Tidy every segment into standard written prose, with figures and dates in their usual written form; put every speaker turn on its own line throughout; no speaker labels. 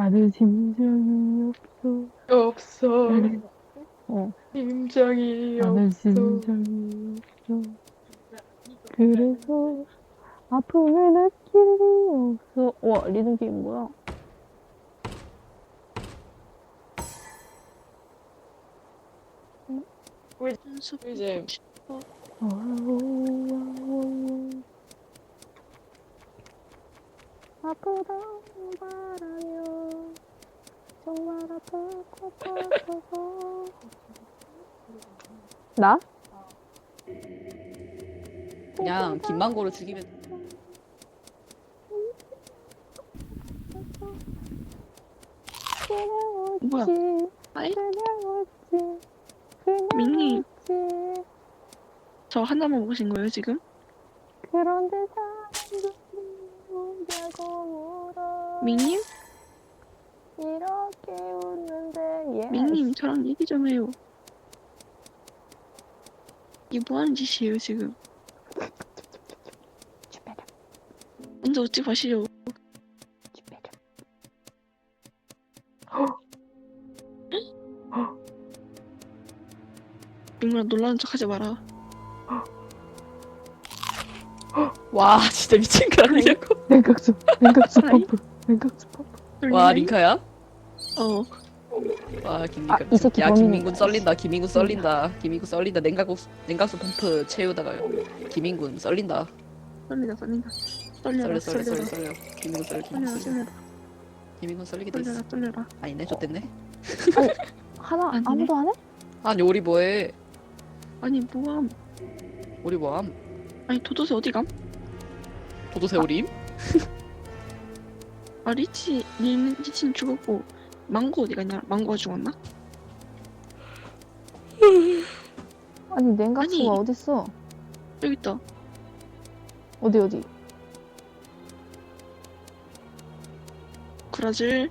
나는 심장이 없어.
없어.
어,
심장이
나는
없어.
심장이 없어. 그래서 아픔을 느낄 리 없어. 와, 리듬 게임 뭐야?
이제
아프다고 말하면 정말 아플 것 같아서. 나?
그냥 김만고를 죽이면
뭐야? 아이?
그냥 웃지. 그냥
민니.
웃지.
저 하나만 먹으신 거예요, 지금?
그런데 사람들이 웃냐고 물어.
민님?
이렇게 웃는데 예.
민님, 저랑 얘기 좀 해요. 이게 뭐 하는 짓이에요, 지금?
주베르
먼저 웃지 마시오.
주베르.
민구야, 놀라는 척 하지 마라.
와 진짜 미친 거 아니냐고.
냉각수
아이?
펌프. 냉각수 펌프.
와 링카야?
어.
와 김민구.
이 새끼
야
범인이네.
김민군 썰린다. 김민군 썰린다. 김민군 썰린다. 냉각수 펌프 채우다가요. 김민군 썰린다.
썰리다.
썰려
썰려라.
김민군 썰려. 김민군 썰려. 김민군 썰리게 돼 있어.
썰려라.
아니네 좆됐네.
하나
아니네.
아무도 안 해?
아니 우리 뭐해?
아니, 뭐함.
우리 뭐함?
아니, 도도새 어디 감?
도도새 우림?
아, 리치는 죽었고, 망고 어디 갔냐? 망고가 죽었나?
아니 냉각수가
아니.
어딨어?
여기 있다.
어디?
브라질.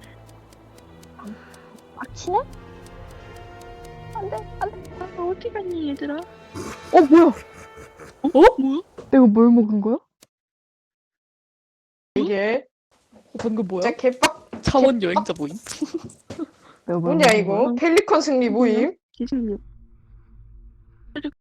막치네? 안돼.
아, 어디 갔니, 얘들아?
뭐야?
뭐야?
내가 뭘 먹은 거야?
이게
방금 뭐야?
진짜 개빡.
차원 여행자 모임?
내가 뭘
뭐냐
먹은
이거?
거야?
펠리컨 승리 모임?
기승님.